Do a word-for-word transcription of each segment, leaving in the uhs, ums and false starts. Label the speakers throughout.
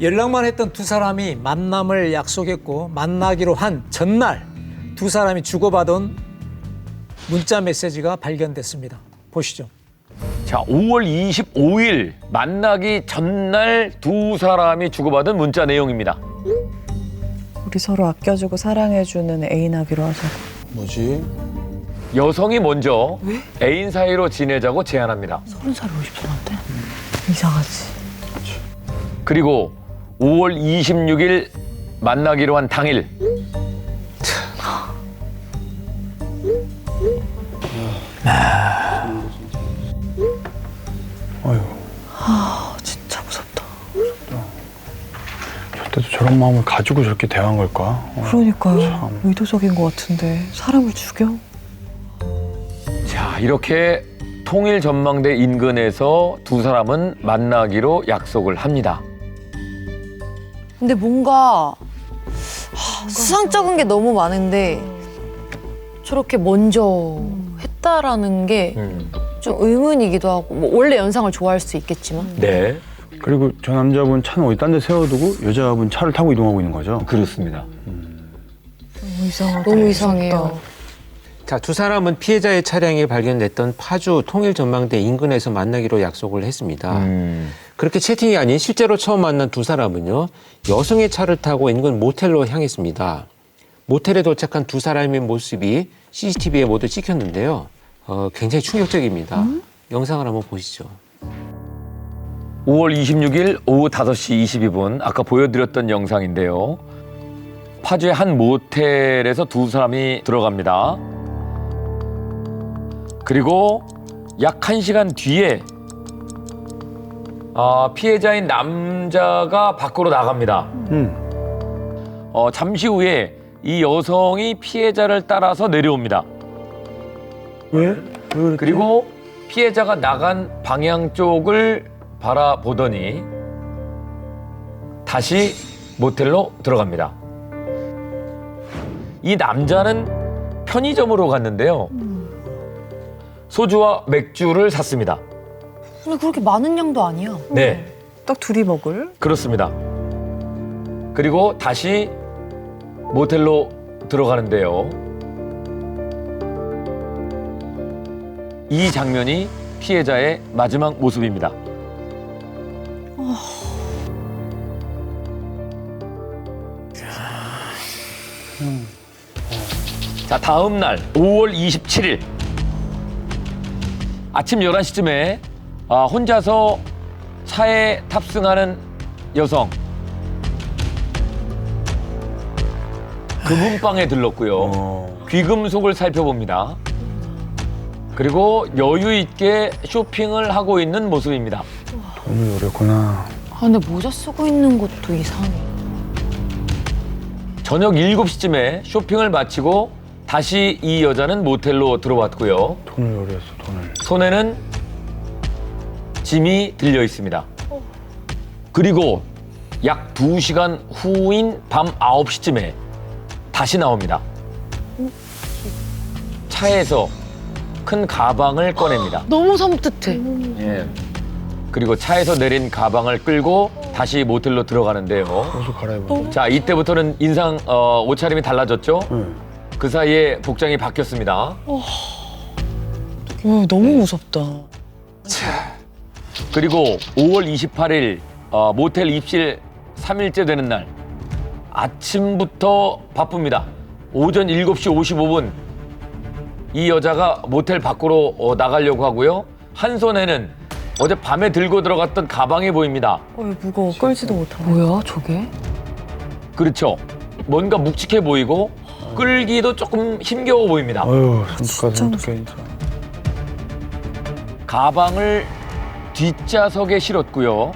Speaker 1: 연락만 했던 두 사람이 만남을 약속했고 만나기로 한 전날 두 사람이 주고받은 문자 메시지가 발견됐습니다. 보시죠.
Speaker 2: 자, 오월 이십오일 만나기 전날 두 사람이 주고받은 문자 내용입니다.
Speaker 3: 우리 서로 아껴주고 사랑해주는 애인하기로 하자.
Speaker 4: 뭐지?
Speaker 2: 여성이 먼저 애인 사이로 지내자고 제안합니다.
Speaker 3: 서른 살이 오십 살한테? 이상하지.
Speaker 2: 그리고 오월 이십육일 만나기로 한 당일
Speaker 4: 아유,
Speaker 3: 아 진짜 무섭다.
Speaker 4: 저때도 저런 마음을 가지고 저렇게 대한 걸까? 어,
Speaker 3: 그러니까요.
Speaker 4: 참.
Speaker 3: 의도적인 것 같은데 사람을 죽여?
Speaker 2: 자, 이렇게 통일 전망대 인근에서 두 사람은 만나기로 약속을 합니다.
Speaker 5: 근데 뭔가 하, 수상쩍은 게 너무 많은데 저렇게 먼저 했다라는 게 좀
Speaker 2: 음.
Speaker 5: 의문이기도 하고 뭐 원래 연상을 좋아할 수 있겠지만
Speaker 2: 네,
Speaker 4: 그리고 저 남자분 차는 어디 딴 데 세워두고 여자분 차를 타고 이동하고 있는 거죠?
Speaker 2: 그렇습니다.
Speaker 3: 너무 이상하다.
Speaker 5: 너무 이상해요.
Speaker 6: 자, 두 사람은 피해자의 차량이 발견됐던 파주 통일전망대 인근에서 만나기로 약속을 했습니다.
Speaker 2: 음.
Speaker 6: 그렇게 채팅이 아닌 실제로 처음 만난 두 사람은요, 여성의 차를 타고 인근 모텔로 향했습니다. 모텔에 도착한 두 사람의 모습이 씨씨티비에 모두 찍혔는데요. 어, 굉장히 충격적입니다. 음? 영상을 한번 보시죠.
Speaker 2: 오월 이십육일 오후 다섯 시 이십이 분 아까 보여드렸던 영상인데요. 파주의 한 모텔에서 두 사람이 들어갑니다. 그리고 약 한 시간 뒤에 아, 피해자인 남자가 밖으로 나갑니다.
Speaker 4: 음.
Speaker 2: 어, 잠시 후에 이 여성이 피해자를 따라서 내려옵니다.
Speaker 4: 왜? 왜 그랬지?
Speaker 2: 그리고 피해자가 나간 방향 쪽을 바라보더니 다시 모텔로 들어갑니다. 이 남자는 편의점으로 갔는데요. 소주와 맥주를 샀습니다.
Speaker 5: 근데 그렇게 많은 양도 아니야.
Speaker 2: 네,
Speaker 3: 딱 둘이 먹을?
Speaker 2: 그렇습니다. 그리고 다시 모텔로 들어가는데요. 이 장면이 피해자의 마지막 모습입니다. 자, 다음 날 오월 이십칠일 아침 열한 시쯤에 아, 혼자서 차에 탑승하는 여성. 금은방에 들렀고요.
Speaker 4: 어.
Speaker 2: 귀금속을 살펴봅니다. 그리고 여유 있게 쇼핑을 하고 있는 모습입니다.
Speaker 4: 돈을 노렸구나.
Speaker 5: 아 근데 모자 쓰고 있는 것도 이상해.
Speaker 2: 저녁 일곱 시쯤에 쇼핑을 마치고 다시 이 여자는 모텔로 들어왔고요.
Speaker 4: 돈을 노렸어, 돈을.
Speaker 2: 손에는 짐이 들려 있습니다. 그리고 약 두 시간 후인 밤 아홉 시쯤에 다시 나옵니다. 차에서 큰 가방을 꺼냅니다.
Speaker 5: 너무 섬뜩해.
Speaker 2: 예. 그리고 차에서 내린 가방을 끌고 다시 모텔로 들어가는데요.
Speaker 4: 옷을 갈아입어.
Speaker 2: 자, 이때부터는 인상 어, 옷차림이 달라졌죠.
Speaker 4: 응.
Speaker 2: 그 사이에 복장이 바뀌었습니다.
Speaker 3: 어, 너무 무섭다.
Speaker 2: 그리고 오월 이십팔일 어, 모텔 입실 삼 일째 되는 날 아침부터 바쁩니다. 오전 일곱 시 오십오 분 이 여자가 모텔 밖으로 어, 나가려고 하고요. 한 손에는 어제 밤에 들고 들어갔던 가방이 보입니다.
Speaker 3: 어, 무거워. 끌지도 못하네.
Speaker 5: 뭐야 저게?
Speaker 2: 그렇죠. 뭔가 묵직해 보이고 끌기도 조금 힘겨워 보입니다.
Speaker 4: 아유,
Speaker 3: 진짜
Speaker 4: 손끝까지 어떡해, 진짜.
Speaker 2: 가방을 뒷좌석에 실었고요.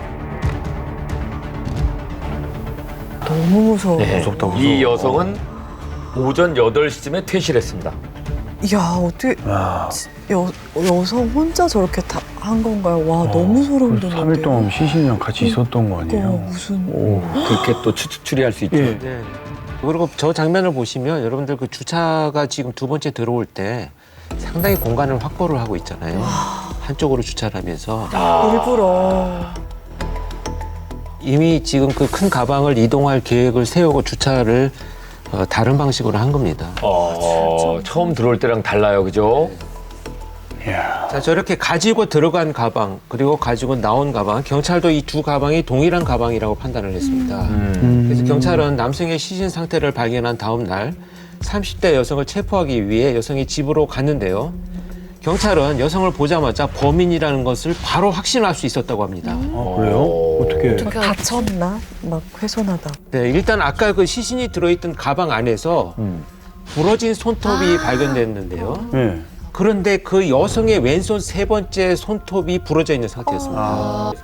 Speaker 3: 너무 무서워.
Speaker 4: 무섭다, 무서워.
Speaker 2: 이 여성은 오전 여덟 시쯤에 퇴실했습니다.
Speaker 3: 야 어떻게
Speaker 4: 야,
Speaker 3: 여, 여성 혼자 저렇게 다 한 건가요? 와 너무 소름 돋는데.
Speaker 4: 삼 일 동안 시신이랑 같이 있었던 거 아니에요?
Speaker 3: 어, 무슨
Speaker 4: 오.
Speaker 2: 그렇게 또 추, 추리할 수 있죠.
Speaker 4: 예.
Speaker 6: 네. 그리고 저 장면을 보시면 여러분들 그 주차가 지금 두 번째 들어올 때 상당히 공간을 확보를 하고 있잖아요. 한쪽으로 주차를 하면서.
Speaker 3: 일부러.
Speaker 6: 이미 지금 그 큰 가방을 이동할 계획을 세우고 주차를 어, 다른 방식으로 한 겁니다.
Speaker 2: 어, 처음 들어올 때랑 달라요, 그죠?
Speaker 4: 이야.
Speaker 6: 자, 저렇게 가지고 들어간 가방 그리고 가지고 나온 가방, 경찰도 이 두 가방이 동일한 가방이라고 판단을 했습니다.
Speaker 2: 음.
Speaker 6: 그래서 경찰은 남성의 시신 상태를 발견한 다음 날 삼십 대 여성을 체포하기 위해 여성의 집으로 갔는데요. 경찰은 여성을 보자마자 범인이라는 것을 바로 확신할 수 있었다고 합니다.
Speaker 4: 아, 그래요? 어떻게?
Speaker 3: 다쳤나? 막 훼손하다.
Speaker 6: 네, 일단 아까 그 시신이 들어있던 가방 안에서
Speaker 2: 음.
Speaker 6: 부러진 손톱이 발견됐는데요.
Speaker 4: 네.
Speaker 6: 그런데 그 여성의 왼손 세 번째 손톱이 부러져 있는 상태였습니다.
Speaker 4: 아.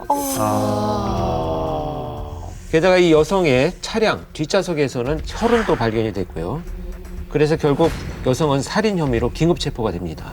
Speaker 6: 게다가 이 여성의 차량 뒷좌석에서는 혈흔도 발견이 됐고요. 그래서 결국 여성은 살인 혐의로 긴급 체포가 됩니다.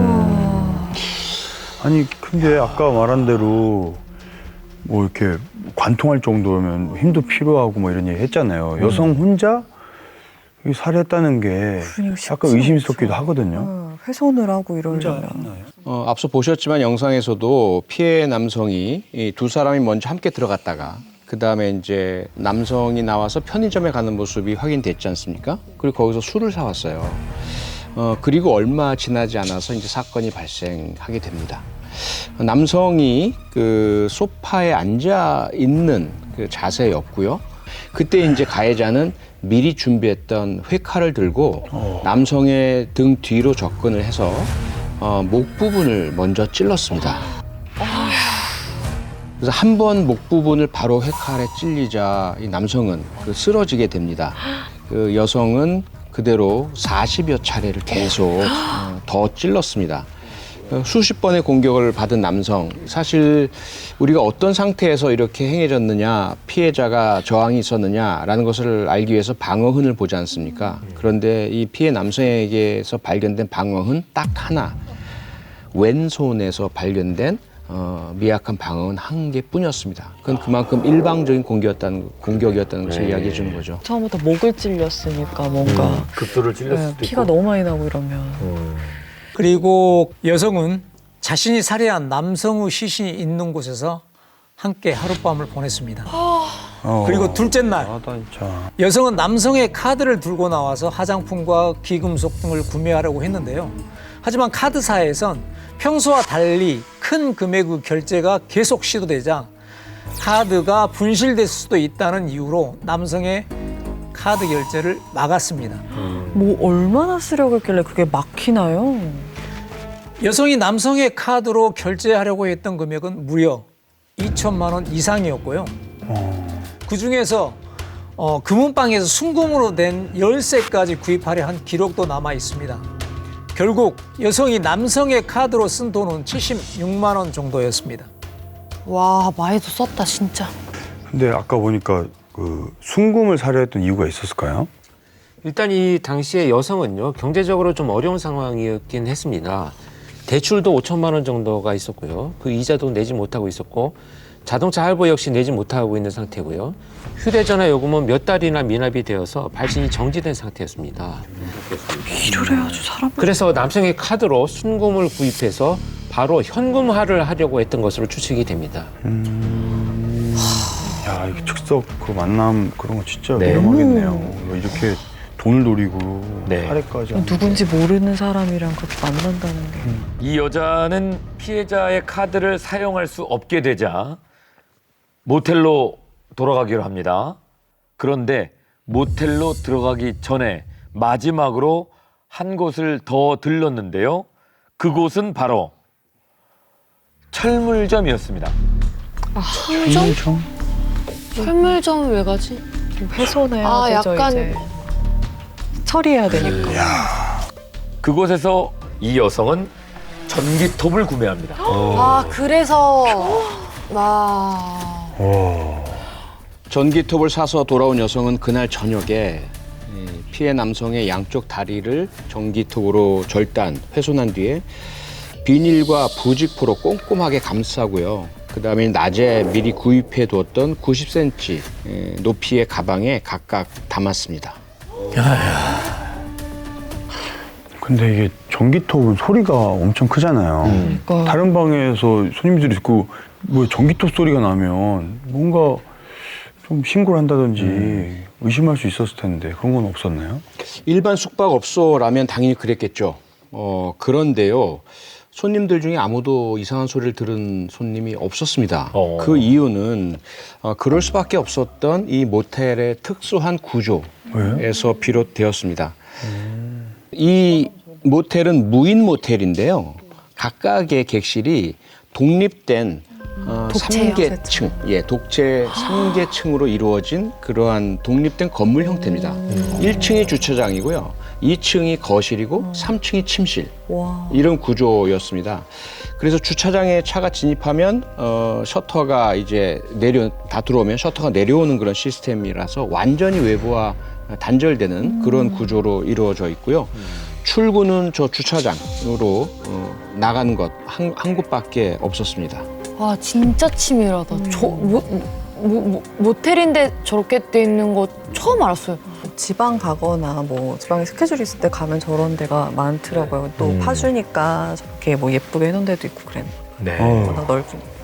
Speaker 4: 아니 근데 아까 말한 대로 뭐 이렇게 관통할 정도면 힘도 필요하고 뭐 이런 얘기 했잖아요. 여성 혼자 이 살해했다는 게
Speaker 3: 그러니까 쉽지
Speaker 4: 약간 의심스럽기도
Speaker 3: 않죠.
Speaker 4: 하거든요.
Speaker 3: 어, 훼손을 하고 이러려면.
Speaker 7: 어, 앞서 보셨지만 영상에서도 피해 남성이 이 두 사람이 먼저 함께 들어갔다가 그 다음에 이제 남성이 나와서 편의점에 가는 모습이 확인됐지 않습니까? 그리고 거기서 술을 사왔어요. 어, 그리고 얼마 지나지 않아서 이제 사건이 발생하게 됩니다. 남성이 그 소파에 앉아 있는 그 자세였고요. 그때 이제 가해자는 미리 준비했던 회칼을 들고 남성의 등 뒤로 접근을 해서 어, 목 부분을 먼저 찔렀습니다. 그래서 한 번 목 부분을 바로 회칼에 찔리자 이 남성은 그 쓰러지게 됩니다. 그 여성은 그대로 사십여 차례를 계속 어, 더 찔렀습니다. 어, 수십 번의 공격을 받은 남성, 사실 우리가 어떤 상태에서 이렇게 행해졌느냐, 피해자가 저항이 있었느냐라는 것을 알기 위해서 방어흔을 보지 않습니까? 그런데 이 피해 남성에게서 발견된 방어흔 딱 하나, 왼손에서 발견된 어, 미약한 방어는 한 개뿐이었습니다. 그건 그만큼 일방적인 공격이었다는, 공격이었다는 것을
Speaker 2: 네.
Speaker 7: 이야기해 주는 거죠.
Speaker 3: 처음부터 목을 찔렸으니까 뭔가
Speaker 2: 극도를 찔렸을
Speaker 3: 네,
Speaker 2: 수도
Speaker 3: 피가
Speaker 2: 있고.
Speaker 3: 너무 많이 나고 이러면.
Speaker 1: 그리고 여성은 자신이 살해한 남성의 시신이 있는 곳에서 함께 하룻밤을 보냈습니다.
Speaker 4: 어.
Speaker 1: 그리고 둘째 날
Speaker 4: 아, 진짜.
Speaker 1: 여성은 남성의 카드를 들고 나와서 화장품과 귀금속 등을 구매하려고 했는데요. 하지만 카드사에선 평소와 달리 큰 금액의 결제가 계속 시도되자 카드가 분실될 수도 있다는 이유로 남성의 카드 결제를 막았습니다.
Speaker 3: 뭐 얼마나 쓰려고 했길래 그게 막히나요?
Speaker 1: 여성이 남성의 카드로 결제하려고 했던 금액은 무려 이천만 원 이상이었고요. 그 중에서 어, 금은방에서 순금으로 된 열쇠까지 구입하려 한 기록도 남아 있습니다. 결국 여성이 남성의 카드로 쓴 돈은 칠십육만 원 정도였습니다.
Speaker 5: 와, 많이도 썼다, 진짜.
Speaker 4: 근데 아까 보니까 그 순금을 살해했던 이유가 있었을까요?
Speaker 6: 일단 이 당시에 여성은요, 경제적으로 좀 어려운 상황이었긴 했습니다. 대출도 오천만 원 정도가 있었고요. 그 이자도 내지 못하고 있었고, 자동차 할부 역시 내지 못하고 있는 상태고요. 휴대전화 요금은 몇 달이나 미납이 되어서 발신이 정지된 상태였습니다.
Speaker 3: 일을 해야지 사람.
Speaker 6: 그래서 남성의 카드로 순금을 구입해서 바로 현금화를 하려고 했던 것으로 추측이 됩니다.
Speaker 4: 야, 이게 즉석 그 만남 그런 거 진짜
Speaker 2: 네.
Speaker 4: 위험하겠네요. 이렇게 돈을 노리고
Speaker 2: 네.
Speaker 4: 살해까지 하는
Speaker 3: 누군지 모르는 사람이랑 그렇게 만난다는 게.
Speaker 2: 이 여자는 피해자의 카드를 사용할 수 없게 되자 모텔로 돌아가기로 합니다. 그런데 모텔로 들어가기 전에 마지막으로 한 곳을 더 들렀는데요. 그곳은 바로 철물점이었습니다.
Speaker 5: 철물점? 철물점을 왜 가지?
Speaker 3: 좀 훼손해야
Speaker 5: 아,
Speaker 3: 되죠,
Speaker 5: 약간-
Speaker 3: 이제. 처리해야 되니까.
Speaker 2: 그곳에서 이 여성은 전기톱을 구매합니다.
Speaker 5: 아, 그래서. 와.
Speaker 7: 전기톱을 사서 돌아온 여성은 그날 저녁에 이 피해 남성의 양쪽 다리를 전기톱으로 절단, 훼손한 뒤에 비닐과 부직포로 꼼꼼하게 감싸고요. 그 다음에 낮에 미리 구입해 두었던 구십 센티미터 높이의 가방에 각각 담았습니다.
Speaker 4: 근데 이게 전기톱은 소리가 엄청 크잖아요.
Speaker 3: 그러니까.
Speaker 4: 다른 방에서 손님들이 듣고 뭐 전기톱 소리가 나면 뭔가 좀 신고를 한다든지 의심할 수 있었을 텐데 그런 건 없었나요?
Speaker 7: 일반 숙박업소라면 당연히 그랬겠죠. 어, 그런데요. 손님들 중에 아무도 이상한 소리를 들은 손님이 없었습니다.
Speaker 2: 어.
Speaker 7: 그 이유는 어, 그럴 수밖에 없었던 이 모텔의 특수한 구조에서 비롯되었습니다. 이 모텔은 무인 모텔인데요. 각각의 객실이 독립된 어,
Speaker 5: 독채요,
Speaker 7: 삼 계층, 예, 독채 삼 계층으로 이루어진 그러한 독립된 건물 형태입니다. 일 층이 주차장이고요. 이 층이 거실이고 삼 층이 침실.
Speaker 3: 와.
Speaker 7: 이런 구조였습니다. 그래서 주차장에 차가 진입하면 어, 셔터가 이제 내려 다 들어오면 셔터가 내려오는 그런 시스템이라서 완전히 외부와 단절되는 그런 구조로 이루어져 있고요. 출구는 저 주차장으로 어, 나가는 것 한 한 곳밖에 없었습니다.
Speaker 5: 와 진짜 치밀하다. 저 모, 모, 모, 모텔인데 저렇게 돼 있는 거 처음 알았어요.
Speaker 3: 지방 가거나 뭐 지방에 스케줄 있을 때 가면 저런 데가 많더라고요. 또 파주니까 저렇게 뭐 예쁘게 해놓은 데도 있고 그랬는데
Speaker 2: 네.
Speaker 4: 어.
Speaker 3: 워낙 넓으니까.